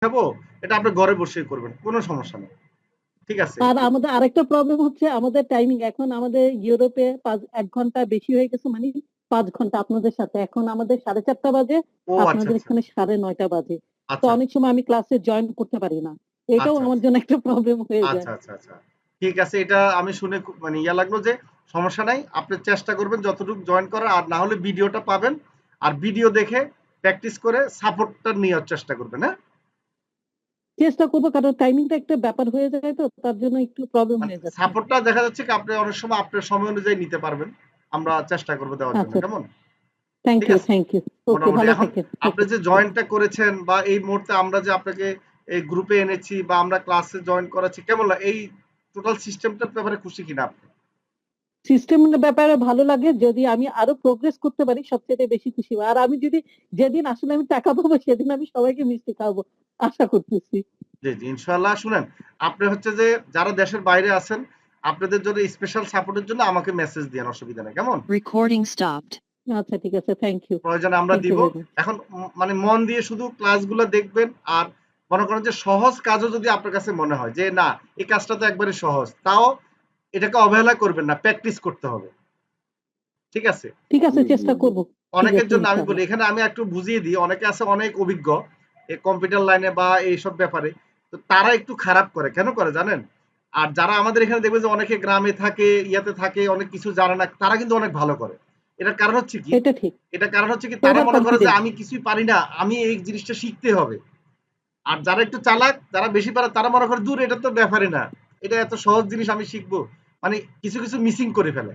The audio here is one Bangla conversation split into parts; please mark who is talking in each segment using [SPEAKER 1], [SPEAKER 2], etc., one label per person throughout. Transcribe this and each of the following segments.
[SPEAKER 1] দেখাবো, এটা আপনি ঘরে বসেই করবেন। কোনো সমস্যা নেই। ঠিক আছে?
[SPEAKER 2] আর আমাদের আরেকটা প্রবলেম হচ্ছে আমাদের টাইমিং এখন আমাদের ইউরোপে 1 ঘন্টা বেশি হয়ে গেছে, মানে 5 ঘন্টা আপনাদের সাথে। এখন আমাদের 4:30 বাজে,
[SPEAKER 1] ও আচ্ছা,
[SPEAKER 2] আপনাদের
[SPEAKER 1] আচ্ছা।
[SPEAKER 2] এখানে 9:30 বাজে। তো
[SPEAKER 1] আচ্ছা,
[SPEAKER 2] অনেক সময় আমি ক্লাসে জয়েন করতে পারি না। এটাও
[SPEAKER 1] আচ্ছা,
[SPEAKER 2] আমার
[SPEAKER 1] আচ্ছা।
[SPEAKER 2] জন্য একটা প্রবলেম হয়ে যায়।
[SPEAKER 1] আচ্ছা, আচ্ছা, আচ্ছা। ঠিক আছে, এটা আমি শুনে মানে ইয়া লাগলো যে সমস্যা নাই। আপনি চেষ্টা করবেন যতটুকু জয়েন করার, আর না হলে ভিডিওটা পাবেন। আর ভিডিও দেখে প্র্যাকটিস করে সাপোর্টটা নেওয়ার চেষ্টা করবেন, হ্যাঁ?
[SPEAKER 2] চেষ্টা করবো, কারণ টাইমিংটা একটা ব্যাপার হয়ে যায়, তো তার জন্য একটু প্রবলেম
[SPEAKER 1] মানে
[SPEAKER 2] হয়ে যাচ্ছে।
[SPEAKER 1] সাপোর্টটা দেখা যাচ্ছে কি আপনি অনেক সময় আপনার সময় অনুযায়ী নিতে পারবেন। আমরা চেষ্টা করব দেওয়ার জন্য।
[SPEAKER 2] আচ্ছা,
[SPEAKER 1] কেমন?
[SPEAKER 2] থ্যাংক
[SPEAKER 1] ঠিক
[SPEAKER 2] ইউ,
[SPEAKER 1] আছে?
[SPEAKER 2] Thank you. ওকে,
[SPEAKER 1] মোটামুটি
[SPEAKER 2] ভালো
[SPEAKER 1] এখন
[SPEAKER 2] থাকেন।
[SPEAKER 1] আপনি
[SPEAKER 2] ওকে।
[SPEAKER 1] যে জয়েনটা করেছেন বা এই মুহূর্তে আমরা যে আপনাকে এই গ্রুপে এনেছি বা আমরা ক্লাসে জয়েন করাচ্ছি, কেমন এই টোটাল সিস্টেমটার ব্যাপারে খুশি কিনা আপনি?
[SPEAKER 2] সিস্টেমের ব্যাপারে ভালো লাগে, যদি আমি আরো প্রোগ্রেস করতে পারি সবচেয়ে বেশি খুশি হব। আর আমি যদি যেদিন আসলে আমি টাকা পাবো সেদিন আমি সবাইকে মিষ্টি খাওয়াবো, আশা করতেছি।
[SPEAKER 1] জি, জি, ইনশাআল্লাহ। শুনেন, আপনি হচ্ছে যে যারা দেশের বাইরে আছেন, আপনাদের জন্য স্পেশাল সাপোর্টের জন্য আমাকে মেসেজ দিয়েন, অসুবিধা নেই। কেমন?
[SPEAKER 3] Recording stopped.
[SPEAKER 2] আচ্ছা, ঠিক আছে, থ্যাংক ইউ।
[SPEAKER 1] প্রয়োজনে আমরা
[SPEAKER 2] থ্যাংক ইউ
[SPEAKER 1] দিব।
[SPEAKER 2] Very much.
[SPEAKER 1] এখন মানে মন দিয়ে শুধু ক্লাসগুলো দেখবেন, আর মনে করেন যে সহজ কাজও যদি আপনার কাছে মনে হয় যে না, এই কাজটা তো একবারে সহজ, তাও এটাকে অবহেলা করবেন না, প্র্যাকটিস করতে হবে। ঠিক আছে?
[SPEAKER 2] ঠিক আছে, চেষ্টা করব। ঠিক
[SPEAKER 1] অনেকের
[SPEAKER 2] আছে,
[SPEAKER 1] জন্য আমি বলি,
[SPEAKER 2] ইনশাআল্লাহ।
[SPEAKER 1] এখানে আমি একটু বুঝিয়ে দিই, অনেকে আছে অনেক অভিজ্ঞ এই কম্পিউটার লাইনে বা এইসব ব্যাপারে, তো তারা একটু খারাপ করে, কেন করে জানেন? আর যারা আমাদের এখানে দেখবে যে অনেকে গ্রামে থাকে, ইয়াতে থাকে, অনেক কিছু জানে না, তারা কিন্তু অনেক ভালো করে। এটার কারণ হচ্ছে কি,
[SPEAKER 2] এটা ঠিক।
[SPEAKER 1] এটার কারণ হচ্ছে কি তারা
[SPEAKER 2] ওভার
[SPEAKER 1] মনে করে যে
[SPEAKER 2] কনফিডেন্স।
[SPEAKER 1] আমি কিছুই পারি না, আমি এই জিনিসটা শিখতে হবে। আর যারা একটু চালাক, যারা বেশি পারে, তারা মনে করে দূর, এটা তো ব্যাপারই না, এটা এত সহজ জিনিস আমি শিখবো, মানে কিছু কিছু মিসিং করে ফেলে।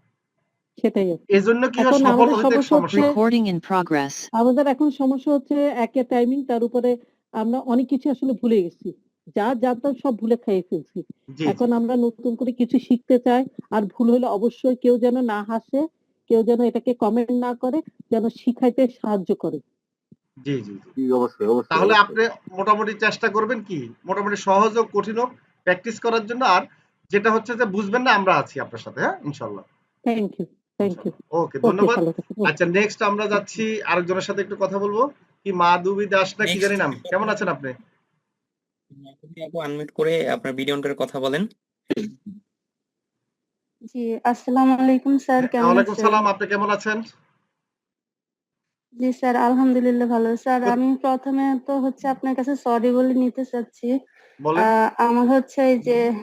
[SPEAKER 2] সেটাই।
[SPEAKER 1] এজন্য কি হয়,
[SPEAKER 2] এখন
[SPEAKER 1] সফল
[SPEAKER 2] আমাদের
[SPEAKER 1] হইতে
[SPEAKER 2] সমস্যা
[SPEAKER 1] সমস্যা
[SPEAKER 2] হচ্ছে,
[SPEAKER 1] হয়।
[SPEAKER 3] Recording in progress.
[SPEAKER 2] আমাদের এখন সমস্যা হচ্ছে একে টাইমিং, তার উপরে আমরা অনেক কিছু আসলে ভুলে গেছি। যা জানতাম সব ভুলে খেয়ে ফেলছি।
[SPEAKER 1] জি, জি,
[SPEAKER 2] এখন আমরা নতুন করে কিছু শিখতে চাই। আর ভুল হলে অবশ্যই কেউ যেন না হাসে, কেউ যেন এটাকে কমেন্ট না করে, যেন শিখাইতে সাহায্য করে।
[SPEAKER 1] জি, জি, জি।
[SPEAKER 4] জি, অবশ্যই, অবশ্যই,
[SPEAKER 1] তাহলে
[SPEAKER 4] অবশ্যই।
[SPEAKER 1] আপনি মোটামুটি চেষ্টা করবেন কি মোটামুটি সহজ হোক কঠিন হোক প্র্যাকটিস করার জন্য। আর যেটা হচ্ছে যে বুঝবেন না, আমরা আছি আপনার সাথে, হ্যাঁ, ইনশাল্লাহ।
[SPEAKER 2] Thank you, thank you.
[SPEAKER 1] ইনশাল্লাহ, ওকে,
[SPEAKER 2] ওকে,
[SPEAKER 1] ধন্যবাদ।
[SPEAKER 2] ভালো থাকুন।
[SPEAKER 1] আচ্ছা, নেক্সট আমরা যাচ্ছি আরেকজনের সাথে একটু কথা বলবো। কি মাধবী দাস না কি জানি নাম, কেমন আছেন আপনি?
[SPEAKER 5] আপনি আনমিউট করে আপনার ভিডিও অন করে কথা বলেন।
[SPEAKER 6] জি, আসসালামু আলাইকুম স্যার, কেমন
[SPEAKER 1] ওয়ালাইকুম
[SPEAKER 6] আছেন?
[SPEAKER 1] সালাম, আপনি কেমন আছেন?
[SPEAKER 6] জি স্যার, আলহামদুলিল্লাহ ভালো। স্যার,
[SPEAKER 1] তো
[SPEAKER 6] আমি প্রথমে তো হচ্ছে আপনার কাছে সরি বলে নিতে চাচ্ছি।
[SPEAKER 1] বলেন।
[SPEAKER 6] আমার হচ্ছে এই যে